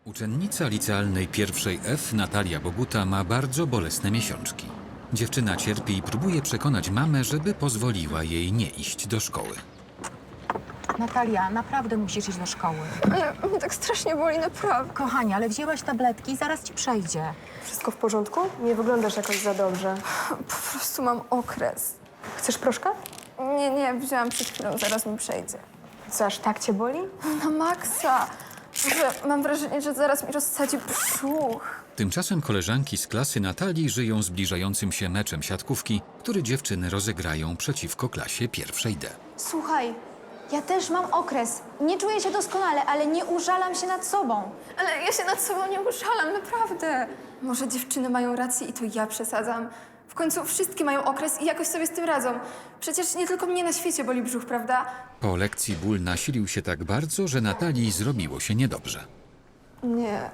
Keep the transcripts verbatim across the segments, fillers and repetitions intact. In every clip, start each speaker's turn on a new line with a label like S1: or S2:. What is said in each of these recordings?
S1: Uczennica licealnej pierwszej F, Natalia Boguta, ma bardzo bolesne miesiączki. Dziewczyna cierpi i próbuje przekonać mamę, żeby pozwoliła jej nie iść do szkoły.
S2: Natalia, naprawdę musisz iść do szkoły.
S3: Ale mnie tak strasznie boli, naprawdę.
S2: Kochanie, ale wzięłaś tabletki, zaraz ci przejdzie.
S4: Wszystko w porządku? Nie wyglądasz jakoś za dobrze.
S3: Po prostu mam okres.
S4: Chcesz proszka?
S3: Nie, nie, wzięłam przed chwilą, zaraz mi przejdzie.
S4: Co, aż tak cię boli?
S3: Na maksa. Że mam wrażenie, że zaraz mi rozsadzi brzuch.
S1: Tymczasem koleżanki z klasy Natalii żyją zbliżającym się meczem siatkówki, który dziewczyny rozegrają przeciwko klasie pierwszej D.
S5: Słuchaj, ja też mam okres. Nie czuję się doskonale, ale nie użalam się nad sobą.
S3: Ale ja się nad sobą nie uszalam, naprawdę. Może dziewczyny mają rację i to ja przesadzam. W końcu wszystkie mają okres i jakoś sobie z tym radzą. Przecież nie tylko mnie na świecie boli brzuch, prawda?
S1: Po lekcji ból nasilił się tak bardzo, że Natalii zrobiło się niedobrze.
S3: Nie.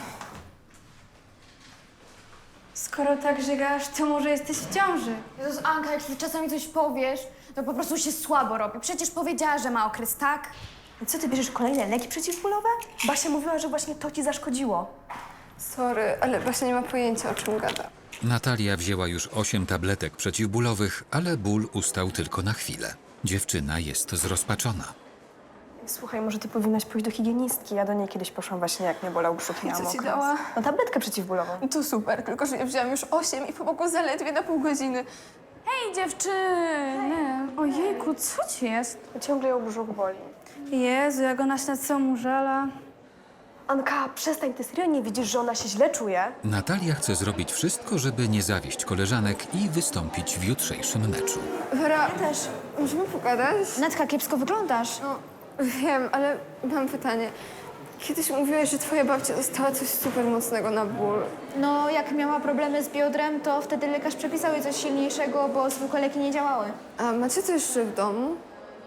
S6: Skoro tak żygasz, to może jesteś w ciąży.
S5: Jezus, Anka, jak ty czasami coś powiesz, to po prostu się słabo robi. Przecież powiedziała, że ma okres, tak?
S4: Co, ty bierzesz kolejne leki przeciwbólowe? Basia mówiła, że właśnie to ci zaszkodziło.
S3: Sorry, ale Basia nie ma pojęcia, o czym gada.
S1: Natalia wzięła już osiem tabletek przeciwbólowych, ale ból ustał tylko na chwilę. Dziewczyna jest zrozpaczona.
S4: Słuchaj, może ty powinnaś pójść do higienistki. Ja do niej kiedyś poszłam właśnie, jak mnie bolał brzuch i miałam
S3: Co ci
S4: okres.
S3: dała?
S4: No tabletkę przeciwbólową.
S3: To super, tylko że ja wzięłam już osiem i pomogło zaledwie na pół godziny.
S6: Hej, dziewczyny! Ojejku, co ci jest?
S4: Ciągle ją brzuch boli.
S6: Jezu, jak ona się nad sobą użala.
S4: Anka, przestań, ty serio nie widzisz, że ona się źle czuje?
S1: Natalia chce zrobić wszystko, żeby nie zawieść koleżanek i wystąpić w jutrzejszym meczu.
S3: Wera,
S5: Ja też.
S3: możemy pogadać?
S5: Natka, kiepsko wyglądasz.
S3: No, wiem, ale mam pytanie. Kiedyś mówiłaś, że twoja babcia dostała coś super mocnego na ból.
S5: No, jak miała problemy z biodrem, to wtedy lekarz przepisał jej coś silniejszego, bo zwykłe leki nie działały.
S3: A macie to jeszcze w domu?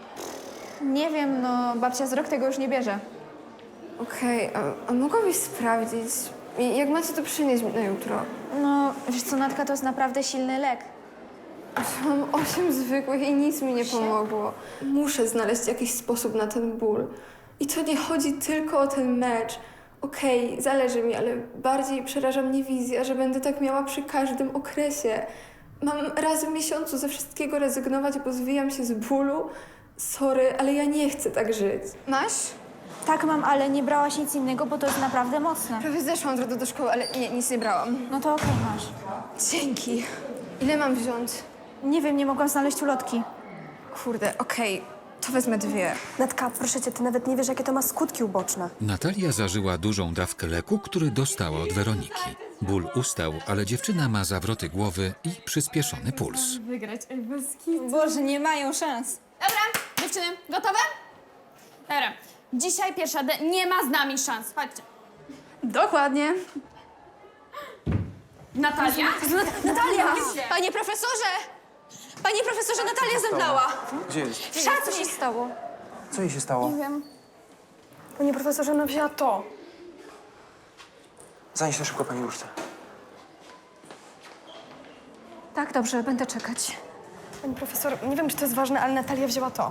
S5: Nie wiem, no, babcia z rok tego już nie bierze.
S3: Okej, a, a mogłabyś sprawdzić? I jak macie, to przynieść mi na jutro.
S5: No, wiesz co, Natka, to jest naprawdę silny lek.
S3: Mam osiem zwykłych i nic mi nie pomogło. Muszę znaleźć jakiś sposób na ten ból. I to nie chodzi tylko o ten mecz. Okej, zależy mi, ale bardziej przeraża mnie wizja, że będę tak miała przy każdym okresie. Mam raz w miesiącu ze wszystkiego rezygnować, bo zwijam się z bólu. Sorry, ale ja nie chcę tak żyć. Masz?
S5: Tak mam, ale nie brałaś nic innego, bo to jest naprawdę mocne.
S3: Prawie zeszłam od razu do szkoły, ale nie, nic nie brałam.
S5: No to okej, masz.
S3: Dzięki. Ile mam wziąć?
S5: Nie wiem, nie mogłam znaleźć ulotki.
S3: Kurde, okej, to wezmę dwie.
S4: Natka, proszę cię, ty nawet nie wiesz, jakie to ma skutki uboczne.
S1: Natalia zażyła dużą dawkę leku, który dostała od Weroniki. Ból ustał, ale dziewczyna ma zawroty głowy i przyspieszony puls.
S6: Wygrać, ej, bez kitu.
S7: Boże, nie mają szans.
S6: Dobra, dziewczyny, gotowe? Dobra, dzisiaj pierwsza D nie ma z nami szans. Chodźcie. Dokładnie. Natalia?
S7: Natalia! Panie profesorze! Panie profesorze, Natalia zemdlała.
S8: Gdzie jest?
S5: Co się stało?
S8: Co jej się stało?
S4: Panie profesorze, ona wzięła to.
S8: Zanieś to szybko pani łóżce.
S5: Tak, dobrze, będę czekać.
S4: Pani profesor, nie wiem, czy to jest ważne, ale Natalia wzięła to.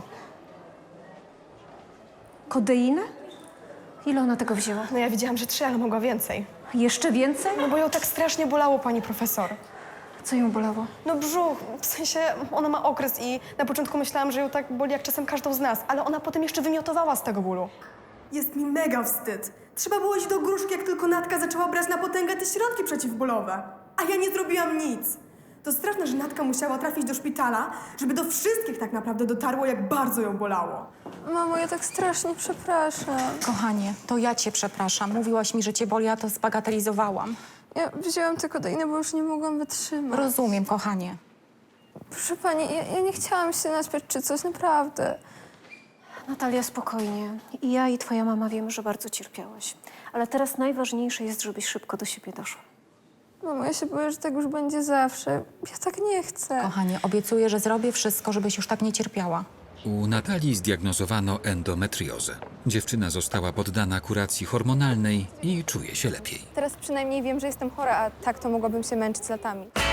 S4: Kodeinę?
S5: Ile ona tego wzięła?
S4: No ja widziałam, że trzy, ale mogła więcej.
S5: Jeszcze więcej?
S4: No bo ją tak strasznie bolało, pani profesor.
S5: Co ją bolało?
S4: No brzuch, w sensie ona ma okres i na początku myślałam, że ją tak boli jak czasem każdą z nas, ale ona potem jeszcze wymiotowała z tego bólu.
S9: Jest mi mega wstyd. Trzeba było iść do gruszki, jak tylko Natka zaczęła brać na potęgę te środki przeciwbólowe. A ja nie zrobiłam nic. To straszne, że Natka musiała trafić do szpitala, żeby do wszystkich tak naprawdę dotarło, jak bardzo ją bolało.
S3: Mamo, ja tak strasznie przepraszam.
S2: Kochanie, to ja cię przepraszam. Mówiłaś mi, że cię boli, a to zbagatelizowałam.
S3: Ja wzięłam tylko kodeinę, bo już nie mogłam wytrzymać.
S2: Rozumiem, kochanie.
S3: Proszę pani, ja, ja nie chciałam się naśpiać czy coś, naprawdę.
S10: Natalia, spokojnie. I ja i twoja mama wiemy, że bardzo cierpiałaś. Ale teraz najważniejsze jest, żebyś szybko do siebie doszła.
S3: Mamo, ja się boję, że tak już będzie zawsze. Ja tak nie chcę.
S2: Kochanie, obiecuję, że zrobię wszystko, żebyś już tak nie cierpiała.
S1: U Natalii zdiagnozowano endometriozę. Dziewczyna została poddana kuracji hormonalnej i czuje się lepiej.
S3: Teraz przynajmniej wiem, że jestem chora, a tak to mogłabym się męczyć latami.